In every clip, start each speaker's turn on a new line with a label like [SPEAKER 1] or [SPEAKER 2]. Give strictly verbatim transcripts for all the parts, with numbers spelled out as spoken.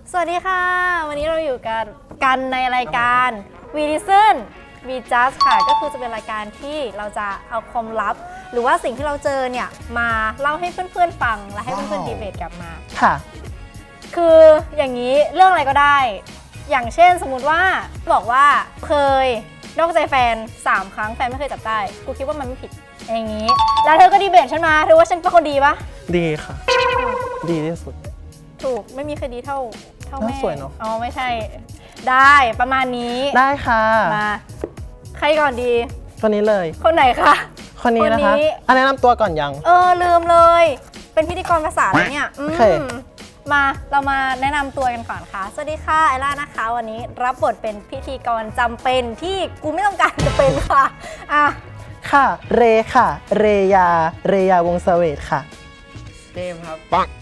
[SPEAKER 1] สวัสดีค่ะวันนี้เราอยู่กันกันในรายการ We Listen We Just ค่ะก็คือจะเป็นรายการที่เราจะเอาความลับหรือว่าสิ่งที่เราเจอเนี่ยมาเล่าให้เพื่อนๆฟังและให้เพื่อนๆดีเบตกลับมา
[SPEAKER 2] ค่ะ
[SPEAKER 1] คืออย่างนี้เรื่องอะไรก็ได้อย่างเช่นสมมุติว่าบอกว่าเคยนอกใจแฟนสามครั้งแฟนไม่เคยจับได้กูคิดว่ามันไม่ผิดอย่างนี้แล้วเธอก็ดีเบตฉันมาเธอว่าฉันเป็นคนดีปะ
[SPEAKER 2] ดีค่ะดีที่สุด
[SPEAKER 1] ถูกไม่มีใครดีเท่าเท่าแม่
[SPEAKER 2] สวยเนาะ
[SPEAKER 1] อ๋อไม่ใช่ได้ประมาณนี้
[SPEAKER 2] ได้ค่ะ
[SPEAKER 1] มาใครก่อนดี
[SPEAKER 2] คนนี้เลย
[SPEAKER 1] คนไหนคะ
[SPEAKER 2] คนนี้นะคะอันแนะนำตัวก่อนยัง
[SPEAKER 1] เออลืมเลยเป็นพิธีกรภาษาแล้วเนี่ยโอเคมาเรามาแนะนำตัวกันก่อนค่ะสวัสดีค่ะไอล่านะคะวันนี้รับบทเป็นพิธีกรจำเป็นที่กูไม่ต้องการจะเป็นค่ะอ่ะ
[SPEAKER 2] ค่ะเรค่ะเรยาเรยาวงศ์เสวตค่ะ
[SPEAKER 3] เจมครับปัง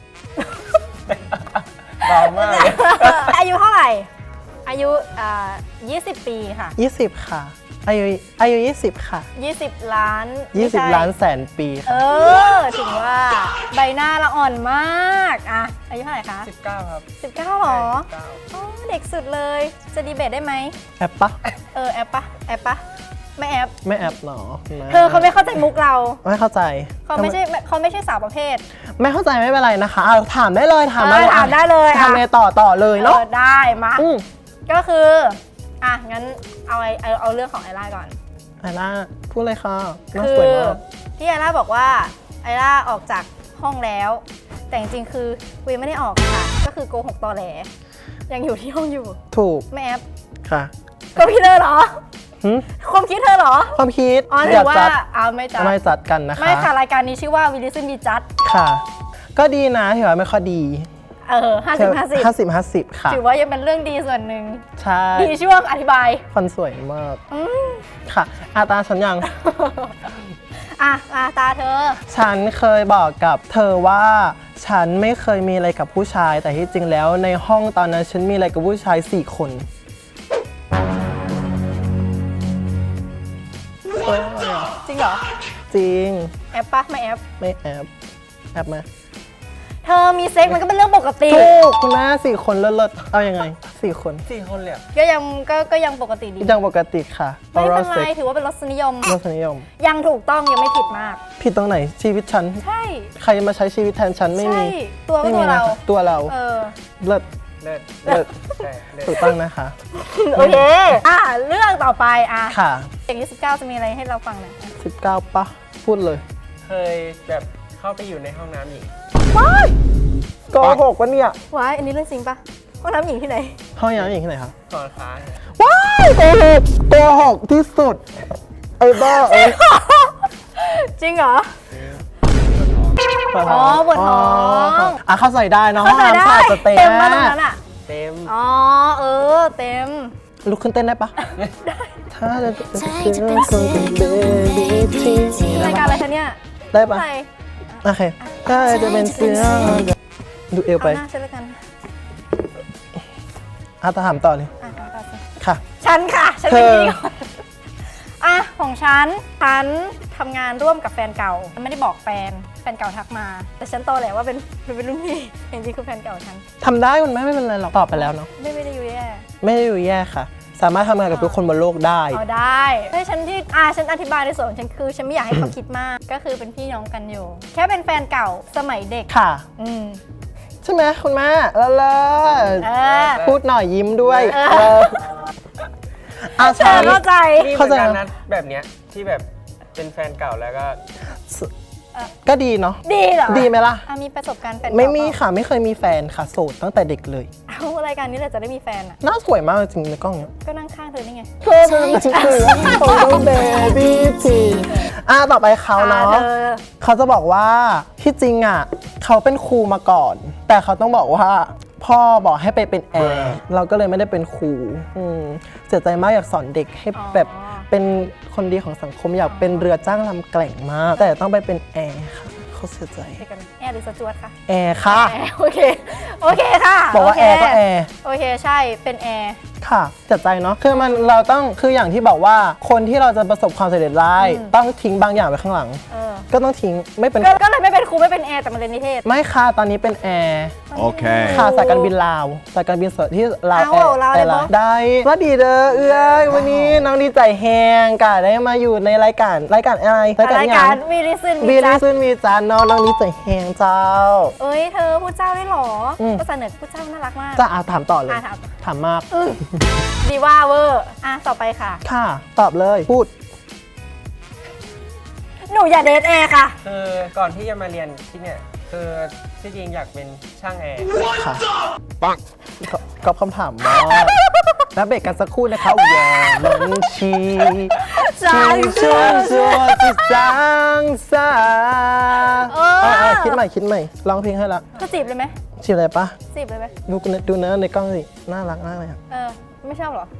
[SPEAKER 3] เบามาก
[SPEAKER 1] อายุเท่าไหร่อายุอ่ายี่สิบปีค่ะ
[SPEAKER 2] ยี่สิบค่ะอายุอายุยี่สิบค่ะ
[SPEAKER 1] ยี่สิบล้าน
[SPEAKER 2] ยี่สิบล้านแสนปีค่ะ
[SPEAKER 1] เออถึงว่าใบหน้าละอ่อนมากอ่ะอายุเท่าไหร่คะ
[SPEAKER 3] สิบเก้าครับ
[SPEAKER 1] สิบเก้าหรออ๋อเด็กสุดเลยจะดีเบตได้ไหม
[SPEAKER 2] แอปปะ
[SPEAKER 1] เออแอปปะแอปปะไม่แอป
[SPEAKER 2] ไม่แอปหรอ
[SPEAKER 1] เธอเขาไม่เข้าใจมุกเรา
[SPEAKER 2] ไม่เข้าใจ
[SPEAKER 1] เขาไม่ใช่เขาไม่ใช่สาวประเภท
[SPEAKER 2] ไม่เข้าใจไม่เป็นไรนะคะเอาถามได้เลยถามได้เลย
[SPEAKER 1] ถามได้เลย
[SPEAKER 2] ถามเลยต่อต่อเลยเนาะ
[SPEAKER 1] ได้มาก็คืออ่ะงั้นเอาเอาเอาเรื่องของไอล่าก่อน
[SPEAKER 2] ไอล่าพูดเลยค่ะ
[SPEAKER 1] คือที่ไอล่าบอกว่าไอล่าออกจากห้องแล้วแต่จริงๆคือวีไม่ได้ออกค่ะก็คือโกหกตอแหลยังอยู่ที่ห้องอยู่
[SPEAKER 2] ถูก
[SPEAKER 1] ไม่แอป
[SPEAKER 2] ค่ะ
[SPEAKER 1] ก็พี่เธอเหรอความคิดเธอเหรอ
[SPEAKER 2] ความคิด
[SPEAKER 1] อ๋อถือว่าเอาไม่จัด
[SPEAKER 2] ไม่จัดกันนะคะ
[SPEAKER 1] ไม่ค่ะรายการนี้ชื่อว่า We Listen We Just
[SPEAKER 2] ค่ะก็ดีนะถือว่าไม่ค่อยดี
[SPEAKER 1] เออห้าสิบห้าสิบ
[SPEAKER 2] ห้าสิบห้าสิบค่ะ
[SPEAKER 1] ถือว่ายังเป็นเรื่องดีส่วนหนึ่ง
[SPEAKER 2] ใช่
[SPEAKER 1] ดีช่วงอธิบาย
[SPEAKER 2] ฟันสวยมากค่ะอาตาฉันยัง
[SPEAKER 1] อ่ะอาตาเธอ
[SPEAKER 2] ฉันเคยบอกกับเธอว่าฉันไม่เคยมีอะไรกับผู้ชายแต่ที่จริงแล้วในห้องตอนนั้นฉันมีอะไรกับผู้ชายสี่คน
[SPEAKER 1] จริงเหรอ
[SPEAKER 2] จริง
[SPEAKER 1] แอปปะไม่แอป
[SPEAKER 2] ไม่แอปแอปไหม
[SPEAKER 1] เธอมีเซ็กมันก็เป็นเรื่องปกติ
[SPEAKER 2] ถูกคุณแม่สี่คนเลิศๆเอายังไงสี่คน
[SPEAKER 3] สี่คนเลย
[SPEAKER 1] ก็ยังก็ก็ยังปกติดี
[SPEAKER 2] ยังปกติค่ะ
[SPEAKER 1] ไม่เป็นไรถือว่าเป็นรสนิยม
[SPEAKER 2] รสนิยม
[SPEAKER 1] ยังถูกต้องยังไม่ผิดมาก
[SPEAKER 2] ผิดตรงไหนชีวิตฉัน
[SPEAKER 1] ใช่
[SPEAKER 2] ใครมาใช้ชีวิตแทนฉันไม่มี
[SPEAKER 1] ตัวตัวเรา
[SPEAKER 2] ตัวเรา
[SPEAKER 1] เออ
[SPEAKER 2] เลิศ
[SPEAKER 3] เลิศ
[SPEAKER 2] เลิศถูกต้องนะคะ
[SPEAKER 1] โอเคอ่ะเรื่องต่อไปอ่ะ
[SPEAKER 2] ค่ะ
[SPEAKER 1] เด็กอายุสิบเก้าจะมีอะไรให้เราฟังหน่อย
[SPEAKER 2] สิบเก้าปะพูดเลย
[SPEAKER 3] เคยแบบเข้าไปอยู่ในห้องน้ำหญิง
[SPEAKER 2] ว้ายโกหกวะเนี่ย
[SPEAKER 1] ว้ายอันนี้เรื่องจริงปะห้องน้ำหญิงที่ไหน
[SPEAKER 2] ห้องน้ำหญิงที่ไหนคะ
[SPEAKER 3] หอค้า
[SPEAKER 2] ว้ายโกหกโกหกที่สุดไอ้บ้าเอ้ย
[SPEAKER 1] จริงเหรออ๋อปวดท้อง
[SPEAKER 2] อ่ะเข้าใส่ได้เนาะ
[SPEAKER 1] เข้าใส่ได้
[SPEAKER 2] เต็ม
[SPEAKER 1] มากตรงนั้นอ่ะ
[SPEAKER 3] เต็ม
[SPEAKER 1] อ๋อเออเต็ม
[SPEAKER 2] ลุกขึ้นเต้นได้ปะ
[SPEAKER 1] ได้
[SPEAKER 2] ถ้าจะเป็นคนเป็นเบบี้ที่
[SPEAKER 1] รายการอะไรคะเนี่ย
[SPEAKER 2] ได้ปะโอเคถ้าจะเป็นเสื้อดูเอวไป
[SPEAKER 1] เอาหน้าฉันแล้วกัน
[SPEAKER 2] อ่ะถามต่อเลย
[SPEAKER 1] อ่ะต่อสิ
[SPEAKER 2] ค่ะ
[SPEAKER 1] ฉันค่ะฉันเป็นพี่ก่อนอ่ะของฉันฉันทำงานร่วมกับแฟนเก่าฉันไม่ได้บอกแฟนแฟนเก่าทักมาแต่ฉันโตแหละว่าเป็นเป็นรุ่นพี่จริงๆคือแฟนเก่าฉัน
[SPEAKER 2] ทำได้มันไม่ไม่เป็นไรหรอกตอบไปแล้วเนาะ
[SPEAKER 1] ไม่ไม่ได้อยู่แย่
[SPEAKER 2] ไม่ได้อยู่แย่ค่ะสามารถทำงานกับทุกคนบนโลกได้
[SPEAKER 1] อ๋อได้ให้ฉันที่อ่าฉันอธิบายในส่วนของฉันคือฉันไม่อยากให้เขาคิดมากก็คือเป็นพี่น้องกันอยู่แค่เป็นแฟนเก่าสมัยเด็ก
[SPEAKER 2] ค่ะ
[SPEAKER 1] อืม
[SPEAKER 2] ใช่ไหมคุณแม่เลิศพูดหน่อยยิ้มด้วย
[SPEAKER 1] อาใช่เข้าใจ
[SPEAKER 3] เข้าใจนะแบบเนี้ยที่แบบเป็นแฟนเก่าแล้วก็
[SPEAKER 2] ก็ดีเนาะ
[SPEAKER 1] ดีเหรอ
[SPEAKER 2] ดีไหมล่ะ
[SPEAKER 1] มีประสบการณ์แฟน
[SPEAKER 2] ไม่มีค่ะไม่เคยมีแฟนค่ะโสดตั้งแต่เด็กเลย
[SPEAKER 1] เอารายการนี้เลยจะได้มีแฟนอ่ะ
[SPEAKER 2] น่าสวยมากจริงในกล้องเนี้ย
[SPEAKER 1] ก็นั่งข้างเธอนี่ไง
[SPEAKER 2] เธอเป็นจริงๆของเบบี้ทีอ่ะต่อไปเขาเนาะเขาจะบอกว่าที่จริงอ่ะเขาเป็นครูมาก่อนแต่เขาต้องบอกว่าพ่อบอกให้ไปเป็นแอร์เราก็เลยไม่ได้เป็นครูเสียใจมากอยากสอนเด็กให้แบบเป็นคนดีของสังคมอยากเป็นเรือจ้างลำแกล่งมากแต่ต้องไปเป็นแอร์ค่ะเขาเสียใจ
[SPEAKER 1] แอร์หรือสจวตคะ
[SPEAKER 2] แอร์ค่ะ
[SPEAKER 1] โอเคโอเคค่ะ
[SPEAKER 2] บอกว่าแอร์ก็แอร์
[SPEAKER 1] โอเคใช่เป็นแอร์
[SPEAKER 2] ค่ะเสียใจเนาะคือมันเราต้องคืออย่างที่บอกว่าคนที่เราจะประสบความสำเร็จได้ต้องทิ้งบางอย่างไว้ข้างหลัง
[SPEAKER 1] อ
[SPEAKER 2] ก็ต้องทิ้งไม่เป็น
[SPEAKER 1] ก็ก็เลยไม่เป็นครูไม่เป็นแอร์แต่มาเรียนนิเทศ
[SPEAKER 2] ไม่ค่ะตอนนี้เป็นแอร์
[SPEAKER 4] Okay.
[SPEAKER 2] ค่ะสายการบินลาวสายการบินสดที่ลาว
[SPEAKER 1] เอาเหรอลาวได้ปะ
[SPEAKER 2] ได้ว่าดีเด้อเอื้อยวันนี้น้องดีใจแฮงกะได้มาอยู่ในรายการรายการอะไร
[SPEAKER 1] รายการวีลิซึน
[SPEAKER 2] บี
[SPEAKER 1] วี
[SPEAKER 2] ลิ
[SPEAKER 1] จั
[SPEAKER 2] ซึนมีจานน้องน้องดีใจแฮงเจ้า
[SPEAKER 1] เอ้ยเธอพูดเจ้าได้หรอ
[SPEAKER 2] อืม
[SPEAKER 1] ภาษาเหนือพูดเจ้าน่ารักมาก
[SPEAKER 2] จะอ่ะถามต่อเลย
[SPEAKER 1] อ่ะถาม
[SPEAKER 2] ถามมาก
[SPEAKER 1] อืมดีว่าเวอร์อ่ะต่อไปค่ะ
[SPEAKER 2] ค่ะตอบเลยพูด
[SPEAKER 1] หนูอย่าเดทแอร์ค่ะ
[SPEAKER 3] คือก่อนที่จะมาเรียนที่เนี่ยคือที่จริงอยากเป็นช่างแอร์
[SPEAKER 2] ค่ะปังก็คำถามว่าแล้วเบรกกันสักครู่นะคะวอลงชี
[SPEAKER 1] จาง
[SPEAKER 2] เชื่อชัวจิตจางซา
[SPEAKER 1] เออ
[SPEAKER 2] เอาเอาคิดใหม่คิดใหม่ร้องเพลงให้ละ
[SPEAKER 1] ก็จีบเลยไหม
[SPEAKER 2] ชื่ออะไรปะ
[SPEAKER 1] จีบเลยไหม
[SPEAKER 2] ดูกูนะดูนะในกล้องสิน่ารักมากเลยอะ
[SPEAKER 1] เออ ไม่ชอบเหรอ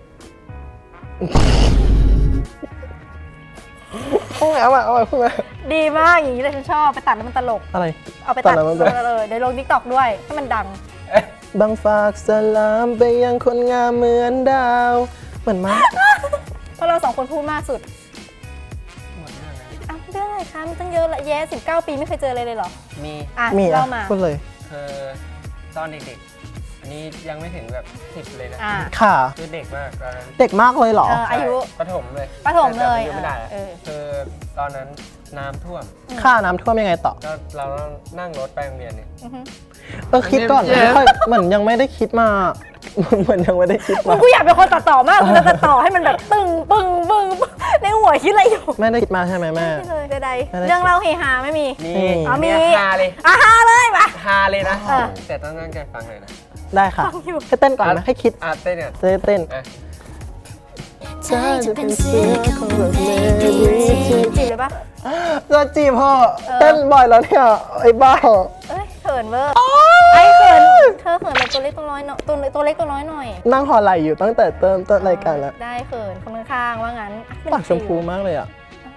[SPEAKER 2] พูดแล้วอ่ะเอาไปพูดมา
[SPEAKER 1] ดีมากอย่างนี้เลยฉันชอบไปตัดแล้วมันตลก
[SPEAKER 2] อะไร
[SPEAKER 1] เอาไปตัด
[SPEAKER 2] ตัดแล้วมันตลก
[SPEAKER 1] เลยเดี๋ยวลงทิกตอกด้วยให้มันดัง
[SPEAKER 2] บังฝากสลามไปยังคนงามเหมือนดาว เหมือนมาก
[SPEAKER 1] เพราะเราสองคนพูดมากสุด
[SPEAKER 3] หมดเรื่องแล้ว
[SPEAKER 1] อ้าวเรื่องอะไรคะมันตั้งเยอะละแย่สิบเก้าปีไม่เคยเจออะไรเลยเหรอ
[SPEAKER 3] มี
[SPEAKER 1] อ่ะ
[SPEAKER 2] มีอ่ะ
[SPEAKER 1] เล่ามา
[SPEAKER 2] พูดเลย
[SPEAKER 3] คือตอนเด็กๆ อันนี้ยังไม่ถึงแบบสิบเลยนะ
[SPEAKER 1] อ่ะ
[SPEAKER 2] ค่ะ
[SPEAKER 3] คือเด็กมากตอนนั้น
[SPEAKER 2] เด็กมากเลยเหรอ
[SPEAKER 1] เอออายุ
[SPEAKER 3] ประถมเลย
[SPEAKER 1] ประถมเลย
[SPEAKER 3] แต่จำอาไม่ได้แล้ว
[SPEAKER 1] เออ
[SPEAKER 3] คือตอนนั้นน้ำท่วม
[SPEAKER 2] ค่าน้ำท่วมยังไงต่อ
[SPEAKER 3] ก็เราต้องนั่งรถไปโรงเรียนเนี่ย
[SPEAKER 1] อือฮึ
[SPEAKER 2] เออคิดก่อน
[SPEAKER 3] เจ็บ
[SPEAKER 2] ไม่ค่อยเหมือนยังไม่ได้คิดมา เหมือนยังไม่ได้คิด
[SPEAKER 1] มึ
[SPEAKER 2] มาง
[SPEAKER 1] กูอยากเป็นคนตัดต่อมากกูจะตัดต่อให้มันแบบตึงปึ้งปึ้งปึ้งในหัวคิดอะไรอยู่
[SPEAKER 2] ไม่ได้คิดมาใช่ไหมแม่
[SPEAKER 1] ไม่เลยใด
[SPEAKER 2] ไม่ได้
[SPEAKER 1] ๆเรื่องเล่าเฮฮาไม่มี
[SPEAKER 3] มี
[SPEAKER 1] อ๋อมี
[SPEAKER 3] เนี่ยฮาเลย
[SPEAKER 1] อ่ะฮาเลยปะ
[SPEAKER 3] ฮาเลยนะ
[SPEAKER 1] เออ
[SPEAKER 3] แต่ต้องตั้งใจฟังเลยนะ
[SPEAKER 2] ได้ค่ะ
[SPEAKER 1] ฟังอยู่
[SPEAKER 2] ให้เต้นก่อนไหมให้คิด
[SPEAKER 3] อาเต้นเนี่ย
[SPEAKER 2] จะได้เต้น
[SPEAKER 3] อ่ะ
[SPEAKER 1] เธอจะเป็นเสือของแบบเมรีจีบเลยปะ
[SPEAKER 2] จะจีบพ่อ
[SPEAKER 1] เออ
[SPEAKER 2] เต้นบ่อยแล้วเนี่ยไอ้บ้า
[SPEAKER 1] เอ้ยเขินเวอร์ไอ้เขินเธอเขินแบบตัวเล็กตัวน้อยเนาะตัวตัวเล็กตัวน้อยหน่อย
[SPEAKER 2] นั่งหอไหลอยู่ตั้งแต่เติมต้นรายการแล้ว
[SPEAKER 1] ได้เขินคนข้างๆว่างั้นอ่ะ
[SPEAKER 2] ปากชมพูมากเลยอ่ะ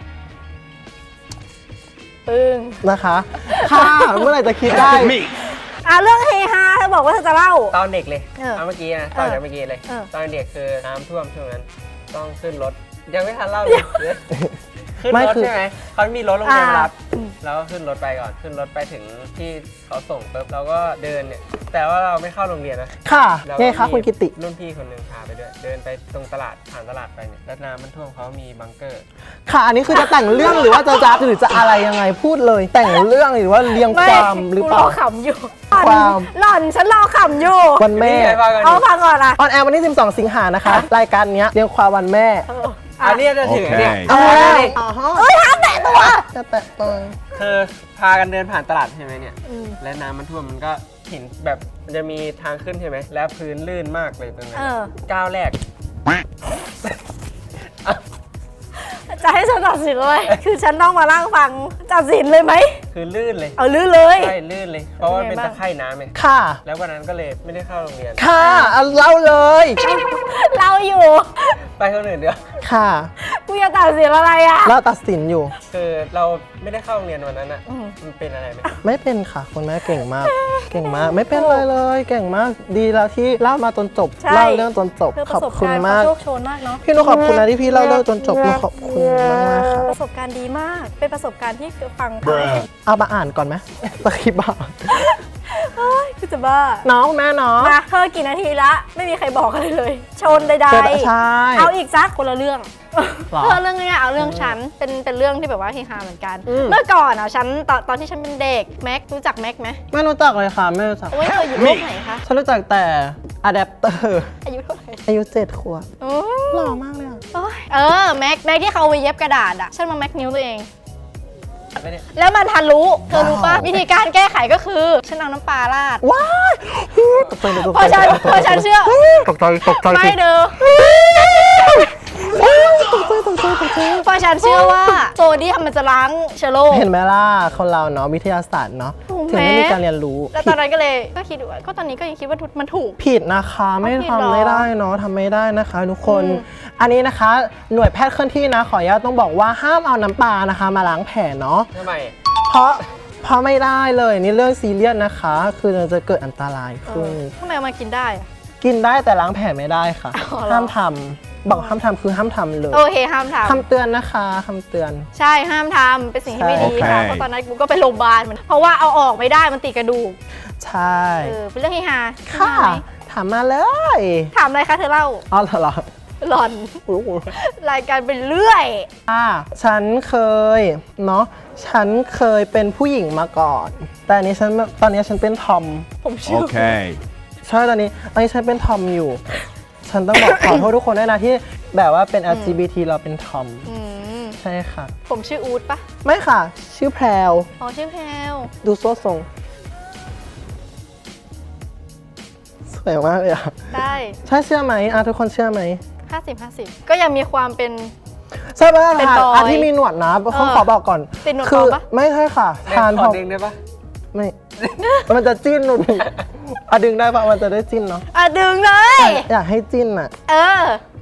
[SPEAKER 1] ปึ้ง
[SPEAKER 2] นะคะ ค่ะ เมื่อไหร่จะคิดได้
[SPEAKER 1] อ่ะเรื่องเฮฮาเธอบอกว่าเธอจะเล่า
[SPEAKER 3] ตอนเด็กเลย
[SPEAKER 1] เออ
[SPEAKER 3] เอาเมื่อกี้นะตอนเด็กเมื่อกี้เลย
[SPEAKER 1] เออ
[SPEAKER 3] ตอนเด็กคือน้ำท่วมช่วงนั้น ต้องขึ้นรถ ยังไม่ทันเล่าเลยขึ้น
[SPEAKER 2] ไม่
[SPEAKER 3] รถ
[SPEAKER 2] คือ
[SPEAKER 3] ใช่ไหมเขามีรถโรงเรียนมารับ
[SPEAKER 1] อ่า
[SPEAKER 3] เราก็ขึ้นรถไปก่อน ขึ้นรถไปถึงที่เขาส่งปุ๊บเราก็เดินเนี่ย แต่ว่าเราไม่เข้าโรงเรียนนะ
[SPEAKER 2] ค่ะ
[SPEAKER 3] เรา
[SPEAKER 2] ไงคะคุณกิติ
[SPEAKER 3] รุ่นพี่คนหนึ่งพาไปด้วย เดินไปตรงตลาดผ่านตลาดไปเนี่ยแล้วน้ำมันท่วมเขามีบังเกอร์
[SPEAKER 2] ค่ะ อันนี้คือจะแต่งเรื่องหรือว่าจะจับหรือจะอะไรยังไงพูดเลย แต่งเรื่องหรือว่าเรียง
[SPEAKER 1] ไม่
[SPEAKER 2] ความหรือเปล่า
[SPEAKER 1] กูรอขำอยู่
[SPEAKER 2] ความ
[SPEAKER 1] หล่อนฉันรอขำอยู่
[SPEAKER 2] วันแม่
[SPEAKER 3] นี่ไงว่ากัน
[SPEAKER 1] เอาฟังก่อนอ่ะ
[SPEAKER 2] ออนแอร์วันที่ สิบสอง สิงหานะคะ รายการเนี้ยเรียงความวันแม่
[SPEAKER 1] เออ
[SPEAKER 3] อันนี้จะถึงเนี่ย
[SPEAKER 4] โอเค
[SPEAKER 3] เอาเลย
[SPEAKER 2] อ๋อฮะ
[SPEAKER 1] เอ้ยห้ามแตะตัว
[SPEAKER 2] จะแตะตัว
[SPEAKER 3] คือพากันเดินผ่านตลาดใช่ไหมเนี่ย
[SPEAKER 1] อืม
[SPEAKER 3] และน้ำมันท่วมมันก็เห็นแบบมันจะมีทางขึ้นใช่ไหม แล้วพื้นลื่นมากเลยตรงนั้น
[SPEAKER 1] เออ
[SPEAKER 3] ก้าวแรก
[SPEAKER 1] จะให้ฉันตัดสินเลย คือฉันต้องมาล่างฟังตัดสินเลยไหม
[SPEAKER 3] คือลื่นเลย
[SPEAKER 1] เอาลื่นเลย
[SPEAKER 3] ใช่ลื่นเลย เพราะว่า
[SPEAKER 1] เป็
[SPEAKER 3] เป็น น
[SPEAKER 1] ไงบ้าง
[SPEAKER 3] ตะไคร่น้ำไง
[SPEAKER 2] ค่ะ
[SPEAKER 3] แล้ววันนั้นก็เลยไม่ได้เข้าโรงเรียน
[SPEAKER 2] ค่ะเอาเล่าเลย
[SPEAKER 1] เราอยู่
[SPEAKER 3] ไปคนอื่นเดียว
[SPEAKER 2] ค่ะ
[SPEAKER 1] กูจะตัดสินอะไรอ่ะ
[SPEAKER 2] เราตัดสินอยู่
[SPEAKER 3] คือเราไม่ได้เข้าโรงเรียนวันนั้นอ่ะ
[SPEAKER 1] อืม
[SPEAKER 3] มันเป็นอะไรไหม
[SPEAKER 2] ไม่เป็นค่ะคุณแม่เก่งมาก เก่งมาก ไม่เป็นเลยเลย เก่งมาก ดีแล้วที่เล่ามาจนจบ
[SPEAKER 1] ใช่
[SPEAKER 2] เล่าเรื่องจนจบ
[SPEAKER 1] เพื่อป
[SPEAKER 2] ขอบ
[SPEAKER 1] ระสบ
[SPEAKER 2] คุณ
[SPEAKER 1] การณ์
[SPEAKER 2] มาก
[SPEAKER 1] โชคโชนมากเนาะ
[SPEAKER 2] พี่นุขอบคุณนะที่พี่เล่าเรื่องจนจบนุขอบคุณมากมากๆค่ะ
[SPEAKER 1] ประสบการณ์ดีมาก เป็นประสบการณ์ที่ฟัง
[SPEAKER 2] เอามาอ่านก่อนไหมสคริปต์อ่ะ
[SPEAKER 1] เฮ้ยคือจะบ้า
[SPEAKER 2] น้องแม่น้อง
[SPEAKER 1] มาเธอกี่นาทีละ ไม่มีใครบอกอะไรเลย ชนใด
[SPEAKER 2] เจอใช่
[SPEAKER 1] ๆ เอาอีกซักคนละเรื่อง
[SPEAKER 2] หรอ
[SPEAKER 1] เธอเรื่องเนี้ยเอาเรื่องฉัน เป็นเป็นเรื่องที่แบบว่าเฮฮาเหมือนกัน
[SPEAKER 2] อืม
[SPEAKER 1] เมื่อก่อนอ่ะฉันตอนตอนที่ฉันเป็นเด็ก แม็กรู้จักแม็กไหม
[SPEAKER 2] ไม่รู้จักเลยค่ะ ไม่รู้จัก
[SPEAKER 1] โอ้ยเธออยู่โลกไหนคะ
[SPEAKER 2] ฉันรู้จักแต่อะแดปเตอร์
[SPEAKER 1] อายุเท่าไหร่
[SPEAKER 2] อายุเจ็ดขวบ
[SPEAKER 1] โอ้
[SPEAKER 2] หล่อมากเลยอะ
[SPEAKER 1] โอ้ยเออแม็กแม็กที่เขาเอาไปเย็บกระดาษอ่ะฉันมาแม็กนิ้วตัวเอง
[SPEAKER 3] ไม่ได้
[SPEAKER 1] แล้วมันทะลุ เธอรู้ป่ะ วิธีการแก้ไขก็คือ ฉันเอาน้ำปลาราด
[SPEAKER 2] ว้ายตกใจตก
[SPEAKER 1] พอ
[SPEAKER 2] ใจ
[SPEAKER 1] ฉันพอฉันเชื่อ
[SPEAKER 2] ตกใจตกใจ
[SPEAKER 1] ไม่เด้อ
[SPEAKER 2] ตกใจตกใจตกใจ
[SPEAKER 1] เพราะฉันเชื่อว่าโซเดียมมันจะล้างเชื้อโรค
[SPEAKER 2] เห็นไหมล่ะคนเราเนาะวิทยาศาสตร์เนาะ
[SPEAKER 1] ถูกไหม
[SPEAKER 2] ถึงได้มีการเรียนรู้
[SPEAKER 1] แล้วตอนนั้นก็เลยก็คิดว่าก็ตอนนี้ก็ยังคิดว่ามันถูก
[SPEAKER 2] ผิดนะคะไม่
[SPEAKER 1] เอาผิดเหรอ
[SPEAKER 2] ทำไม่ได้เนาะทำไม่ได้นะคะทุกคน
[SPEAKER 1] อืม
[SPEAKER 2] อันนี้นะคะหน่วยแพทย์เคลื่อนที่นะขออนุญาตต้องบอกว่าห้ามเอาน้ำปลานะคะ มาล้างแผลเนาะ
[SPEAKER 3] ทำไม
[SPEAKER 2] เพราะเพราะไม่ได้เลยนี่เรื่องซีเรียสนะคะ คือมันจะเกิดอันตราย
[SPEAKER 1] เอ
[SPEAKER 2] ขึ้น
[SPEAKER 1] อทำไมเอามากินได้อะ
[SPEAKER 2] กินได้แต่ล้างแผลไม่ได้ค่ะ
[SPEAKER 1] อ๋อเหรอ
[SPEAKER 2] ห้ามทำบอกห้ามทำคือห้ามทำเลย
[SPEAKER 1] โอเคห้ามท
[SPEAKER 2] คำเตือนนะคะคำเตือน
[SPEAKER 1] ำใช่ห้ามทำเป็นสิ่งที่ไม่ดี
[SPEAKER 4] ใช่
[SPEAKER 1] ค่ะ
[SPEAKER 4] โอเค
[SPEAKER 1] เพราะตอนนั้นกูก็ไปโรงพยาบาลเหมือนเพราะว่าเอาออกไม่ได้มันติดกระดูก
[SPEAKER 2] ใช่
[SPEAKER 1] เออเป็นเรื่องเฮฮา
[SPEAKER 2] ค่ะ
[SPEAKER 1] เฮฮาไหม
[SPEAKER 2] ถามมาเลย
[SPEAKER 1] ถามอะไรคะเธอเล่า
[SPEAKER 2] อ๋อเหรอเหรอ
[SPEAKER 1] หลอน
[SPEAKER 2] อุ๊ย
[SPEAKER 1] รายการเป็นเรื่อย
[SPEAKER 2] อ่าฉันเคยเนาะฉันเคยเป็นผู้หญิงมาก่อน แต่อันนี้ฉันตอนนี้ฉันเป็นทอม
[SPEAKER 1] ผมเชื่อ
[SPEAKER 4] Okay.
[SPEAKER 2] ใช่ตอนนี้ตอนนี้ฉันเป็นทอมอยู่ ฉันต้องบอก ขอโทษทุกคนด้วยนะที่แบบว่าเป็น แอล จี บี ที เราเป็นทอม
[SPEAKER 1] อืม
[SPEAKER 2] ใช่ค่ะ
[SPEAKER 1] ผมชื่ออูดปะ
[SPEAKER 2] ไม่ค่ะ ชื่อแพรว
[SPEAKER 1] อ๋อชื่อแพลว
[SPEAKER 2] ดูโซ่ทรงสวยมากเลยอ่ะ
[SPEAKER 1] ได้
[SPEAKER 2] ใช่เชื่อไหมอ่ะทุกคนเชื่อไหม
[SPEAKER 1] ห้าสิบห้าสิบก็ยังมีความเป็น
[SPEAKER 2] ใช่ปะ
[SPEAKER 1] เป็น
[SPEAKER 2] ทาน
[SPEAKER 1] บอย
[SPEAKER 2] อ่ะที่มีหนวดนะเขาขอบอกก่อน
[SPEAKER 1] ติดหนวด
[SPEAKER 2] คื
[SPEAKER 1] ปลอมปะ
[SPEAKER 2] ไม่ใช่ค่ะ
[SPEAKER 3] เล่น
[SPEAKER 2] ทาน
[SPEAKER 3] ข
[SPEAKER 2] พ
[SPEAKER 3] อ
[SPEAKER 2] อ
[SPEAKER 3] ดึงได้ปะ
[SPEAKER 2] ไม่ มันจะจิ้นหนูดิอ่ะดึงได้ปะมันจะได้จิ้นเนาะ
[SPEAKER 1] อ่ะดึงเลย
[SPEAKER 2] อยากให้จิ้นอ่ะ
[SPEAKER 1] เออ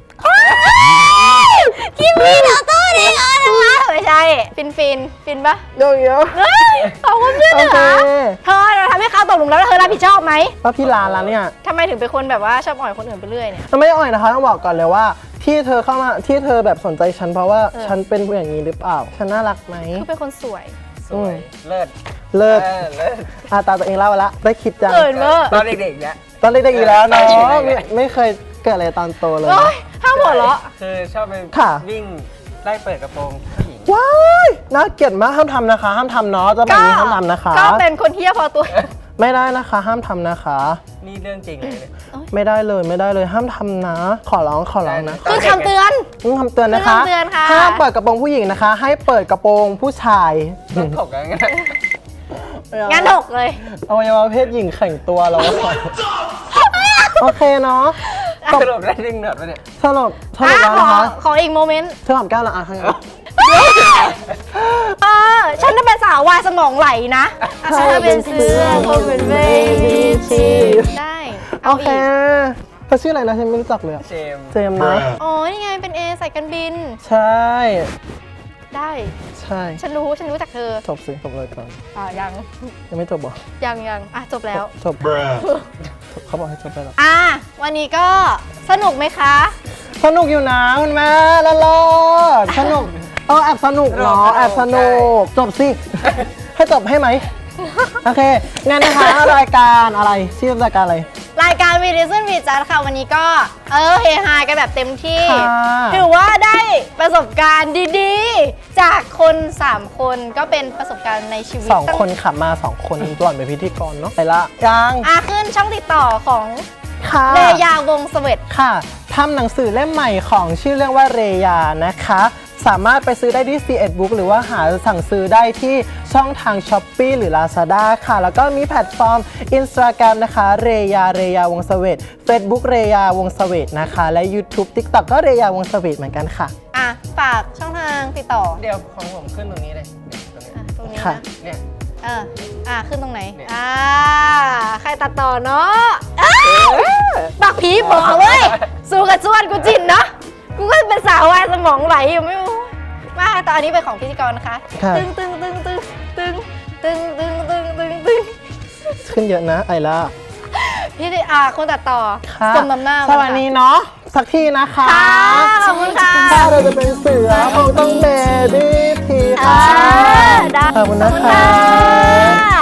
[SPEAKER 1] คิมมี่เราตู้นี้เออนะคะไม่ใช่ ฟินฟินฟินปะ
[SPEAKER 2] เดี๋ยวเดี๋ยว
[SPEAKER 1] เฮ้ยขอบคุณเพื่อน
[SPEAKER 2] โอ
[SPEAKER 1] เหร
[SPEAKER 2] เค
[SPEAKER 1] อเธอเราทำให้เขาตกหลุมแล้วเธอรับผิดชอบไหม
[SPEAKER 2] ป้าพี่ลาแล้วเนี่ย
[SPEAKER 1] ทำไมถึงเป็นคนแบบว่าชอบอ่อยคนอื่นไปเรื่อยเนี่ย
[SPEAKER 2] ไม่ได้อ่อยนะคะต้องบอกก่อนเลยว่า ที่เธอเข้ามาที่เธอแบบสนใจฉันเพราะว่า
[SPEAKER 1] เออ
[SPEAKER 2] ฉันเป็นอย่างนี้หรือเปล่า ฉันน่ารักไหม
[SPEAKER 1] คือเป็นคนสวย
[SPEAKER 3] สวย เลิศ
[SPEAKER 2] เลิศ
[SPEAKER 3] เออเลิศ
[SPEAKER 2] อาตาตัวเองเล่าไปละได้คิดจัง
[SPEAKER 1] เกินเวอร์
[SPEAKER 3] ตอนเด็กๆเนี่ย
[SPEAKER 2] ตอนเด็กๆอยู่แล้วเนาะ
[SPEAKER 3] ตอนเด็กๆ
[SPEAKER 2] ไม่ไม่เคยเกิดอะไรตอนโตเลย
[SPEAKER 1] โอ้ยห้ามหัวเราะ
[SPEAKER 3] คือชอบไป
[SPEAKER 2] ค่ะ
[SPEAKER 3] วิ่งไล่เปิดกระโปรงผู้หญิง
[SPEAKER 2] ว้ายน่าเกลียดมากห้ามทำนะคะ ห้ามทำเนาะจะแบบนี้ห้ามทำนะคะ
[SPEAKER 1] ก็เป็นคนเที่ยพอตัว
[SPEAKER 2] ไม่ได้นะคะ ห้ามทำนะคะ
[SPEAKER 3] นี่เรื่องจริงเลยเนี่ย
[SPEAKER 2] ไม่ได้เลยไม่ได้เลยห้ามทำนะ ขอร้องขอร้องนะ
[SPEAKER 3] ได้
[SPEAKER 1] คือคำเตือน
[SPEAKER 2] ต้องคำเตือนนะคะ
[SPEAKER 1] คำเตือนค่ะ
[SPEAKER 2] ห้ามเปิดกระโปรงผู้หญิงนะคะ ให้เปิดกระโปรงผู้ชาย
[SPEAKER 3] ต้องถกกันงั้น
[SPEAKER 1] งั้นถกเลย
[SPEAKER 2] อวัยวะเพศหญิงแข่งตัวเราโอเคเนาะ
[SPEAKER 3] สรุปได้ดึงหนวดไปะเนี่ย
[SPEAKER 2] สรุปส
[SPEAKER 1] อ่ะ
[SPEAKER 2] รุปแล้ว
[SPEAKER 1] ขอ
[SPEAKER 2] นะคะ
[SPEAKER 1] ขออีกโมเมนต์
[SPEAKER 2] เธอหอมแก้วละอ่ะทั้างนั้น
[SPEAKER 1] เออฉันจะเป็นสาววายสมองไหลนะอ่ะฉันจะเป็นเสื้อเธอเป็นเบบี้ทีได้
[SPEAKER 2] โอ
[SPEAKER 1] เอา
[SPEAKER 2] เค
[SPEAKER 1] อีก
[SPEAKER 2] เธอชื่ออะไรนะฉันไม่รู้จักเลยอะ
[SPEAKER 3] เจมส์
[SPEAKER 2] เจมส์นะ
[SPEAKER 1] อ๋อ นี่ไงเป็นเอสายการบิน
[SPEAKER 2] ใช่
[SPEAKER 1] ได้
[SPEAKER 2] ใช่
[SPEAKER 1] ฉันรู้ ฉันรู้จักเธอ
[SPEAKER 2] จบสิจบเลยก่อน
[SPEAKER 1] อ่ายัง
[SPEAKER 2] ยังไม่จบเหรอ
[SPEAKER 1] ยังยังอ่ะ จบแล้ว
[SPEAKER 2] จบเขาบอกให้จบไปแล้ว
[SPEAKER 1] อ่ะ วันนี้ก็สนุกไหมคะ
[SPEAKER 2] สนุกอยู่นะคุณแม่ละลอดสนุกเออแอบสนุกเนาะแอบสนุกจบสิ ให้จบให้ไหมโอเคงั้นนะคะรายการอะไรชื่อรายการอะไร
[SPEAKER 1] รายการวีดิซึนวีจัดค่ะ วันนี้ก็ เออเฮฮากันแบบเต็มที่
[SPEAKER 2] ค่ะ
[SPEAKER 1] ถือว่าได้ประสบการณ์ดีๆ จากคน 3 คนก็เป็นประสบการณ์ในชีวิต
[SPEAKER 2] สองคนขับมาสองคนหล่อนเป็นพิธีกรเนาะไปละยัง
[SPEAKER 1] อ่ะขึ้นช่องติดต่อของ
[SPEAKER 2] ค่ะ
[SPEAKER 1] เรยาวงศ์เสวต
[SPEAKER 2] ค่ะทำหนังสือเล่มใหม่ของชื่อเรื่องว่าเรยานะคะ สามารถไปซื้อได้ที่ ซี เอ็ด Book หรือว่าหาสั่งซื้อได้ที่ช่องทาง Shopee หรือ Lazada ค่ะ แล้วก็มีแพลตฟอร์ม Instagram นะคะเรยาเรยาวงศ์เสวต Facebook เรยาวงศ์เสวตนะคะ และ YouTube TikTok ก็เรยาวงศ์เสวตเหมือนกันค่ะ
[SPEAKER 1] อ่ะ ฝากช่องทางติดต่อ
[SPEAKER 3] เดี๋ยวของผมขึ้นตรงนี้เลยเนี่ยตรงนี้
[SPEAKER 1] อ่ะตรงนี้
[SPEAKER 2] ค่ะ
[SPEAKER 1] นะ
[SPEAKER 3] เนี่ย
[SPEAKER 1] เออ อ่ะ ขึ้นตรงไหน
[SPEAKER 3] เนี่ย
[SPEAKER 1] อ่า ใครตัดต่อเนาะอ้าวบักผีบอกเว้ย สู้กับส่วนกูจินเนาะ กูก็เป็นสาววายสมองไหลอยู่ไม่รู้มาตอนนี้เป็นของพิธีกรนะคะ
[SPEAKER 2] ค่ะ
[SPEAKER 1] ตึงตึงตึงตึงตึงตึงตึงตึงตึงตึง
[SPEAKER 2] ขึ้นเยอะนะไอล่า
[SPEAKER 1] พี่ดิอ่าคนตัดต่อ
[SPEAKER 2] ค่ะ
[SPEAKER 1] สมน้ำหน้า
[SPEAKER 2] สวัสดีเนาะสักทีนะคะ
[SPEAKER 1] ค่ะขอบคุณค่ะ
[SPEAKER 2] ถ้าเราจะเป็นเสือคงต้องเบบี้ที
[SPEAKER 1] อ่า
[SPEAKER 2] ค่ะ
[SPEAKER 1] ได้
[SPEAKER 2] ขอบคุณนะ
[SPEAKER 1] ขอบ
[SPEAKER 2] คะ
[SPEAKER 1] ค่ะ